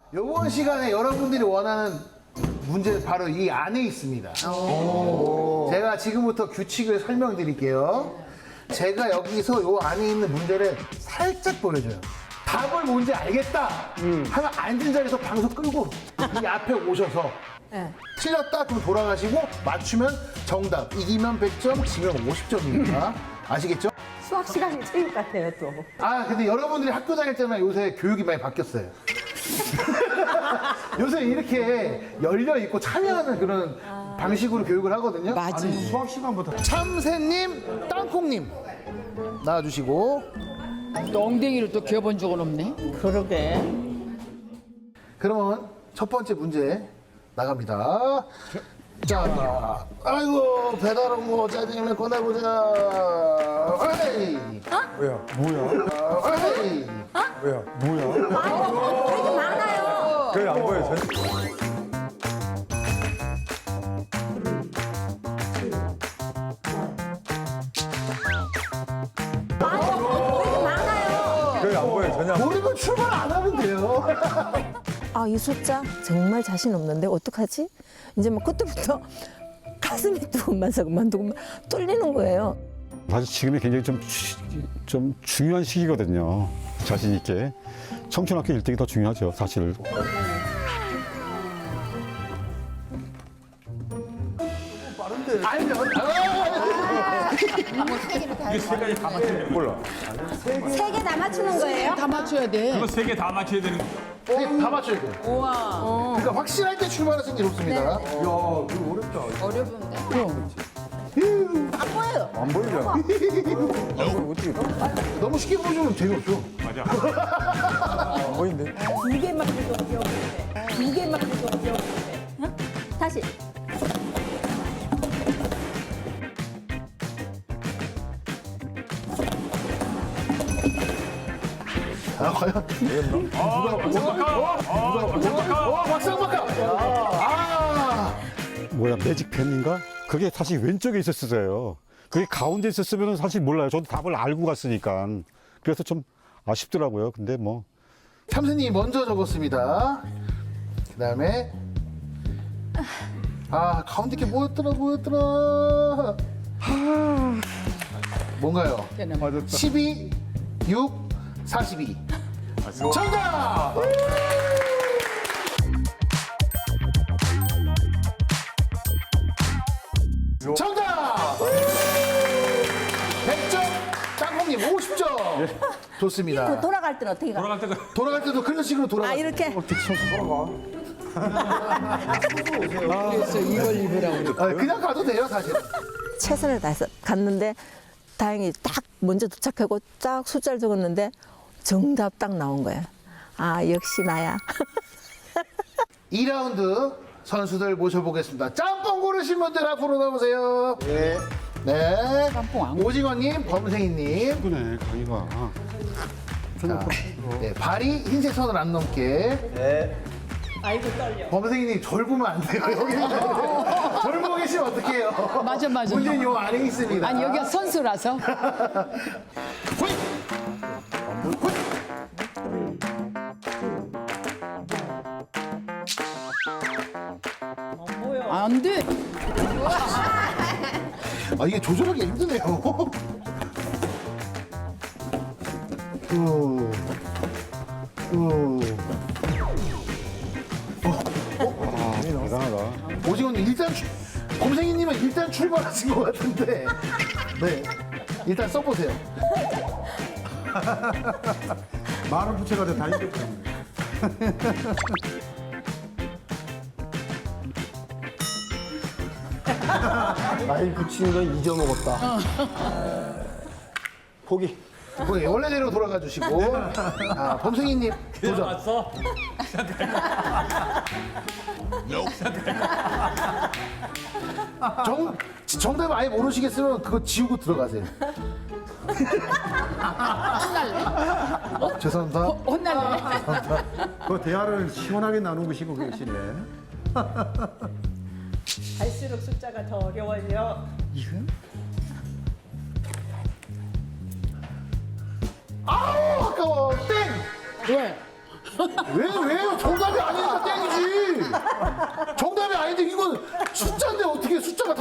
이번 시간에 여러분들이 원하는 문제 바로 이 안에 있습니다. 제가 지금부터 규칙을 설명드릴게요. 제가 여기서 이 안에 있는 문제를 살짝 보여줘요. 답을 뭔지 알겠다 하면 앉은 자리에서 방송 끌고 이 앞에 오셔서 틀렸다 그럼 돌아가시고 맞추면 정답. 이기면 100점, 지면 50점입니다. 아시겠죠? 수학 시간이 체육 같아요, 또. 아 근데 여러분들이 학교 다닐 때만 요새 교육이 많이 바뀌었어요. 요새 이렇게 열려 있고 참여하는 그런 방식으로 교육을 하거든요. 맞아. 수학 시간부터 참새님, 땅콩님 나와주시고 또 엉덩이를 또 기어본 적은 없네. 그러게. 그러면 첫 번째 문제 나갑니다. 자, 아이고 배달 온 거 짜장면 꺼내보자. 에이, 뭐야? 뭐야? 에이. 뭐야? 뭐야? 되게 많아요. 그게 안 보여. 되게 많아요. 그게 안 보여. 전혀 안 보여. 모르면 출발 안 하면 돼요. 아, 이 숫자 정말 자신 없는데 어떡하지? 이제 막 그때부터 가슴이 두근만서 뚫리는 거예요. 사실 지금이 굉장히 좀 중요한 시기거든요. 자신 있게. 청춘학교 1등이 더 중요하죠, 사실. 알면 몰라. 세 개 다 맞추는 거예요? 다 맞춰야 돼. 이거 세 개 다 맞춰야 되는 거. 다 맞춰야 돼요. 그러니까 확실할 때 출발하시는 게 좋습니다. 안 보여요. 안 보이잖아. 어떻게 너무 쉽게 보여주면 재미없죠. 안 보이는데? 두 개만 해도 어려운데. 두 개만 해도 어려운데. 응? 다시. 아, 과연? 박상박하! 아! 뭐야, 매직펜인가? 그게 사실 왼쪽에 있었어요. 그게 가운데 있었으면 사실 몰라요. 저도 답을 알고 갔으니까. 그래서 좀 아쉽더라고요. 근데 뭐. 참새님이 먼저 적었습니다. 그 다음에 가운데 게 뭐였더라. 뭔가요? 12, 6, 42. 정답! 정답! 100점, 짱콩님 50점. 좋습니다. 돌아갈 때는 어떻게 가? 돌아갈 때가 돌아갈 때도 그런 식으로 돌아가. 아, 이렇게? 그래서 이걸 입으라고. 그냥 가도 돼요, 사실. 최선을 다해서 갔는데 다행히 딱 먼저 도착하고 딱 숫자를 적었는데 정답 딱 나온 거예요. 아, 역시 나야. 2라운드 선수들 모셔보겠습니다. 짬뽕 고르신 분들 앞으로 나오세요. 네. 짬뽕 안 오징어님, 범생이님. 그네, 강의가. 자, 네, 발이 흰색 선을 안 넘게. 네. 아이고, 떨려. 범생이님, 절 보면 안 돼요. 여기. 절 보고 계시면 어떡해요. 맞아. 문제는 요 안에 있습니다. 아니, 여기가 선수라서. 호잇! 호잇! 안 돼. 이게 조절하기 힘드네요. 대단하다. 오징어님 일단 범생이님은 일단 출발하신 것 같은데 네 일단 써보세요. 많은 부채가 다 이겼다. 많이 붙이는 건 잊어먹었다. 포기. 거기 원래대로 돌아가 주시고 범생이님 도전. 왔어? 정답 아예 모르시겠으면 그거 지우고 들어가세요. 죄송합니다. 혼날래. 그 대화를 시원하게 나누고 싶고 계시네. 갈수록 숫자가 더 어려워요. 아우 아까워 땡. 왜? 왜요? 정답이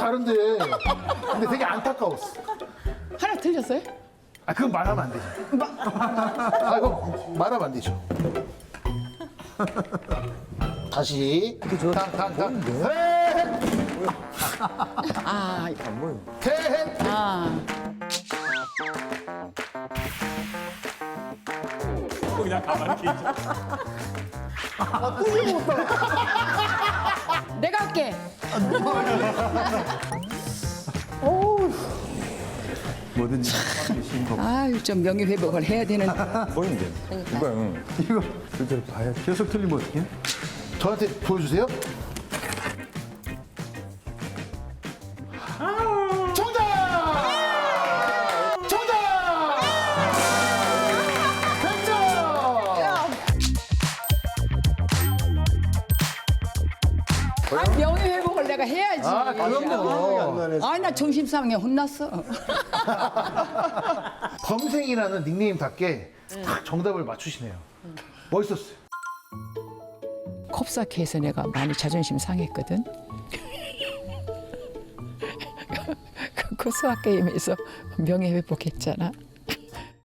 다른데. 근데 되게 안타까웠어. 하나 틀렸어요? 아, 그건 말하면 안 되죠. 아, 이거 말하면 안 되죠. 다시. 탕. 아, 해. 아. 내가 할게. 뭐든지 하시는 거. 아유, 좀 명예 회복을 해야 되는. 보이는데. 이거 이거 실제로 봐야 계속 틀리면 어떡해? 저한테 보여주세요. 정답! 정답! 100점! 아, 명예 회복을 내가 해야지. 아, 그럼요. 아, 나 정신 상해 혼났어. 범생이라는 닉네임답게 딱 정답을 맞추시네요. 멋있었어요. 컵사케에서 내가 많이 자존심 상했거든. 그 수학 게임에서 명예 회복했잖아.